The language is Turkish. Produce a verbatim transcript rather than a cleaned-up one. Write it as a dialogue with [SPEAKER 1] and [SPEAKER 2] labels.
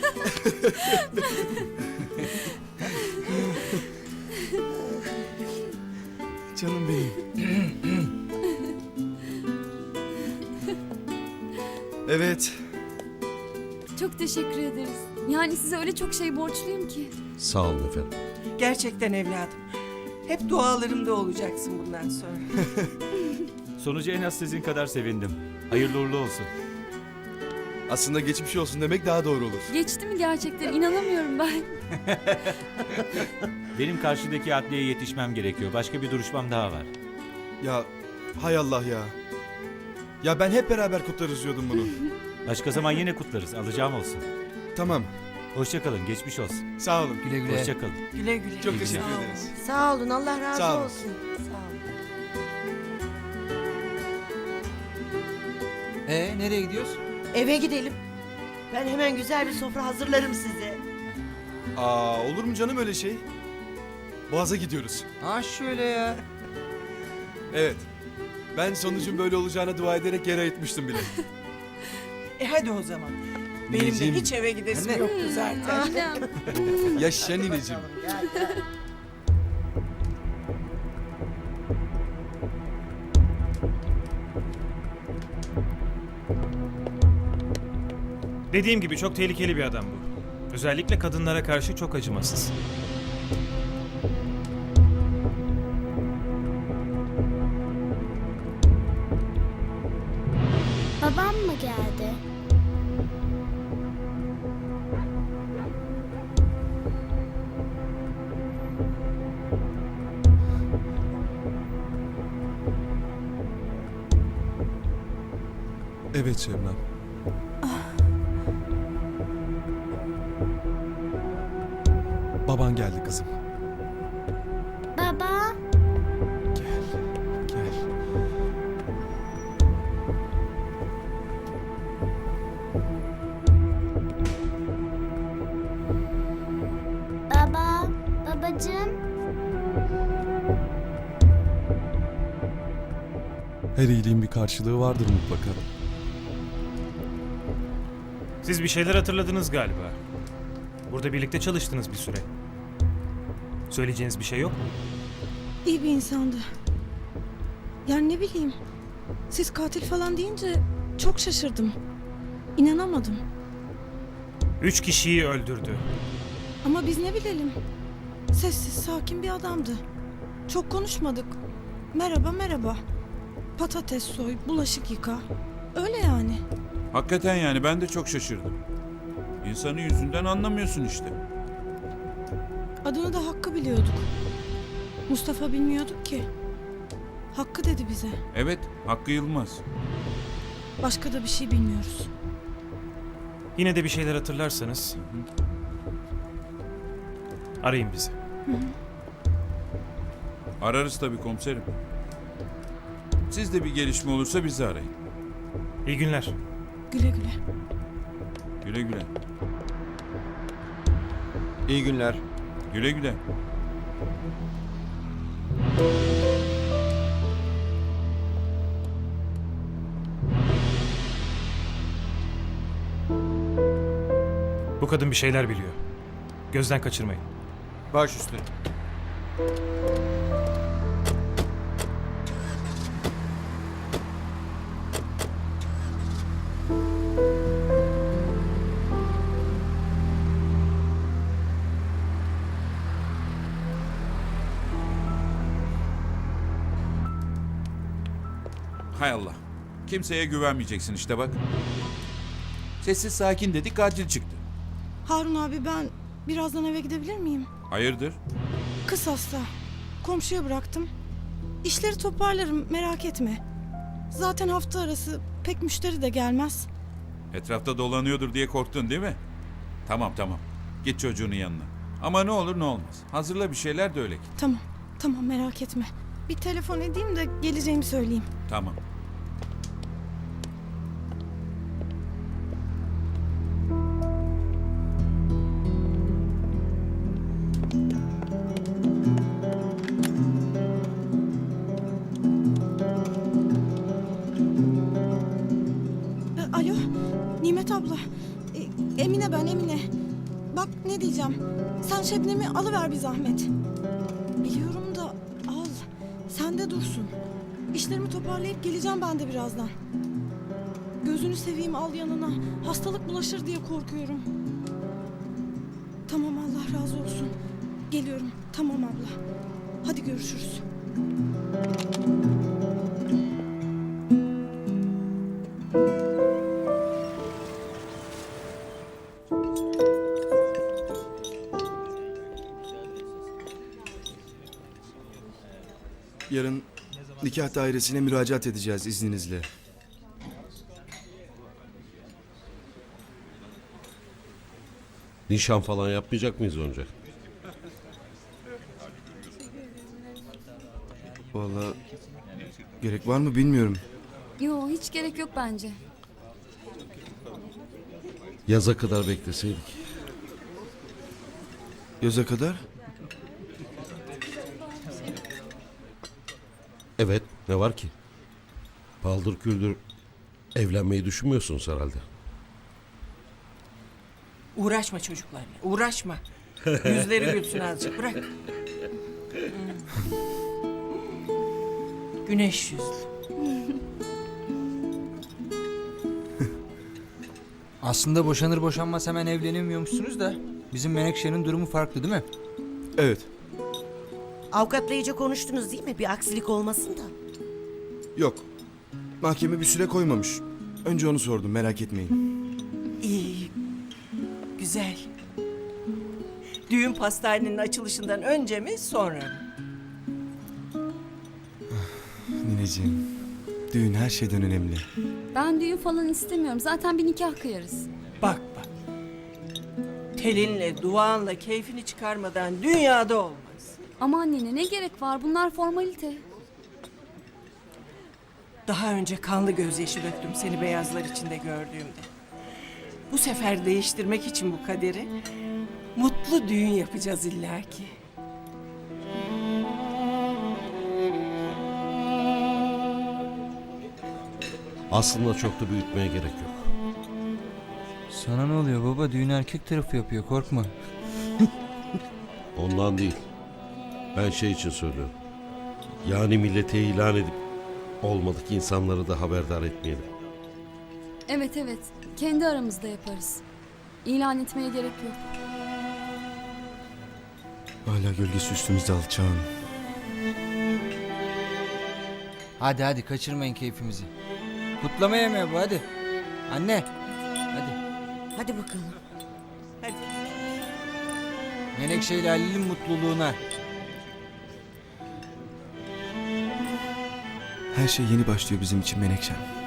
[SPEAKER 1] Canım benim. Evet.
[SPEAKER 2] Çok teşekkür ederiz. Yani size öyle çok şey borçluyum ki.
[SPEAKER 3] Sağ olun efendim.
[SPEAKER 4] Gerçekten evladım. Hep dualarımda olacaksın bundan sonra.
[SPEAKER 5] Sonucu en az sizin kadar sevindim. Hayırlı uğurlu olsun.
[SPEAKER 1] Aslında geçmiş olsun demek daha doğru olur.
[SPEAKER 2] Geçti mi gerçekten? İnanamıyorum ben.
[SPEAKER 5] Benim karşıdaki adliyeye yetişmem gerekiyor. Başka bir duruşmam daha var.
[SPEAKER 1] Ya hay Allah ya. Ya ben hep beraber kutlarız diyordum bunu.
[SPEAKER 5] Başka zaman yine kutlarız. Alacağım olsun.
[SPEAKER 1] Tamam.
[SPEAKER 5] Hoşça kalın. Geçmiş olsun.
[SPEAKER 1] Sağ olun.
[SPEAKER 3] Güle güle.
[SPEAKER 5] Hoşça kalın.
[SPEAKER 4] Güle güle.
[SPEAKER 1] Çok teşekkür ederiz.
[SPEAKER 6] Sağ olun, Allah razı
[SPEAKER 1] Sağ olun.
[SPEAKER 6] olsun. Sağ olun.
[SPEAKER 3] Ee, nereye gidiyoruz?
[SPEAKER 6] Eve gidelim. Ben hemen güzel bir sofra hazırlarım size.
[SPEAKER 1] Aa, olur mu canım öyle şey? Boğaz'a gidiyoruz.
[SPEAKER 3] Ha şöyle ya.
[SPEAKER 1] Evet. Ben sonucun böyle olacağına dua ederek yere ayıtmıştım bile.
[SPEAKER 4] E hadi o zaman. Benim de
[SPEAKER 1] Nineciğim.
[SPEAKER 4] hiç eve gidesim
[SPEAKER 3] Anne.
[SPEAKER 4] yoktu zaten.
[SPEAKER 2] Annem.
[SPEAKER 1] Yaşa nineciğim.
[SPEAKER 7] Dediğim gibi çok tehlikeli bir adam bu. Özellikle kadınlara karşı çok acımasız.
[SPEAKER 8] Babam mı geldi?
[SPEAKER 1] Evet Şebnem. Baban geldi kızım.
[SPEAKER 8] Baba,
[SPEAKER 1] Gel. Gel.
[SPEAKER 8] baba, babacığım.
[SPEAKER 1] Her iyiliğin bir karşılığı vardır mutlaka.
[SPEAKER 7] Siz bir şeyler hatırladınız galiba. Burada birlikte çalıştınız bir süre. Söyleyeceğiniz bir şey yok mu?
[SPEAKER 9] İyi bir insandı. Yani ne bileyim. Siz katil falan deyince çok şaşırdım. İnanamadım.
[SPEAKER 7] Üç kişiyi öldürdü.
[SPEAKER 9] Ama biz ne bilelim. Sessiz, sakin bir adamdı. Çok konuşmadık. Merhaba merhaba. Patates soy, bulaşık yıka. Öyle yani.
[SPEAKER 10] Hakikaten yani ben de çok şaşırdım. İnsanı yüzünden anlamıyorsun işte.
[SPEAKER 9] Adını da Hakkı biliyorduk. Mustafa bilmiyorduk ki. Hakkı dedi bize.
[SPEAKER 10] Evet, Hakkı Yılmaz.
[SPEAKER 9] Başka da bir şey bilmiyoruz.
[SPEAKER 7] Yine de bir şeyler hatırlarsanız... arayın bizi.
[SPEAKER 10] Ararız tabii komiserim. Siz de bir gelişme olursa bizi arayın.
[SPEAKER 7] İyi günler.
[SPEAKER 9] Güle güle.
[SPEAKER 10] Güle güle.
[SPEAKER 3] İyi günler.
[SPEAKER 10] Güle güle.
[SPEAKER 7] Bu kadın bir şeyler biliyor. Gözden kaçırmayın.
[SPEAKER 3] Baş üstüne.
[SPEAKER 10] Hay Allah. Kimseye güvenmeyeceksin işte bak. Sessiz sakin dedik, katil çıktı.
[SPEAKER 9] Harun abi, ben birazdan eve gidebilir miyim?
[SPEAKER 10] Hayırdır?
[SPEAKER 9] Kız hasta. Komşuya bıraktım. İşleri toparlarım, merak etme. Zaten hafta arası pek müşteri de gelmez.
[SPEAKER 10] Etrafta dolanıyordur diye korktun değil mi? Tamam tamam. Git çocuğunun yanına. Ama ne olur ne olmaz. Hazırla bir şeyler de öyle git.
[SPEAKER 9] Tamam, tamam, merak etme. Bir telefon edeyim de geleceğimi söyleyeyim.
[SPEAKER 10] Tamam.
[SPEAKER 9] E, alo, Nimet abla. Emine ben Emine. Bak ne diyeceğim. Sen Şebnem'i alıver bir zahmet. Biliyorum da al. Sen de dursun. İşlerimi toparlayıp geleceğim ben de birazdan. Gözünü seveyim al yanına. Hastalık bulaşır diye korkuyorum. Tamam Allah razı olsun. Geliyorum. Tamam abla. Hadi görüşürüz.
[SPEAKER 1] Yarın nikah dairesine müracaat edeceğiz izninizle.
[SPEAKER 11] Nişan falan yapmayacak mıyız önce?
[SPEAKER 1] Vallahi gerek var mı bilmiyorum.
[SPEAKER 2] Yo hiç gerek yok bence.
[SPEAKER 11] Yaza kadar bekleseydik.
[SPEAKER 1] Yaza kadar?
[SPEAKER 11] Evet, ne var ki? Paldır küldür evlenmeyi düşünmüyorsunuz herhalde.
[SPEAKER 4] Uğraşma çocuklarla. Uğraşma. Yüzleri gülsün azıcık. Bırak. Hmm. Güneş yüzlü.
[SPEAKER 3] Aslında boşanır boşanmaz hemen evlenemiyormuşsunuz da bizim Menekşe'nin durumu farklı değil mi?
[SPEAKER 1] Evet.
[SPEAKER 6] Avukatla iyice konuştunuz değil mi? Bir aksilik olmasın da.
[SPEAKER 1] Yok. Mahkeme bir süre koymamış. Önce onu sordum, merak etmeyin.
[SPEAKER 4] İyi. Güzel. Düğün pastanenin açılışından önce mi sonra mı?
[SPEAKER 1] Nineciğim, düğün her şeyden önemli.
[SPEAKER 2] Ben düğün falan istemiyorum. Zaten bir nikah kıyarız.
[SPEAKER 4] Bak bak. Telinle, duanla keyfini çıkarmadan dünyada olmaz.
[SPEAKER 2] Aman nene ne gerek var? Bunlar formalite.
[SPEAKER 4] Daha önce kanlı gözyaşı döktüm seni beyazlar içinde gördüğümde. Bu sefer değiştirmek için bu kaderi mutlu düğün yapacağız illaki.
[SPEAKER 11] Aslında çok da büyütmeye gerek yok.
[SPEAKER 3] Sana ne oluyor baba? Düğün erkek tarafı yapıyor, korkma.
[SPEAKER 11] Ondan değil. Ben şey için söylüyorum. Yani millete ilan edip olmadık insanları da haberdar etmeyelim.
[SPEAKER 2] Evet evet. Kendi aramızda yaparız. İlan etmeye gerek yok.
[SPEAKER 1] Hala gölgesi üstümüzde alçağın.
[SPEAKER 3] Hadi hadi kaçırmayın keyfimizi. Kutlama yemeği bu hadi. Anne. Hadi.
[SPEAKER 6] Hadi bakalım.
[SPEAKER 4] Hadi.
[SPEAKER 3] Menekşe ile Halil'in mutluluğuna.
[SPEAKER 1] Her şey yeni başlıyor bizim için Menekşem.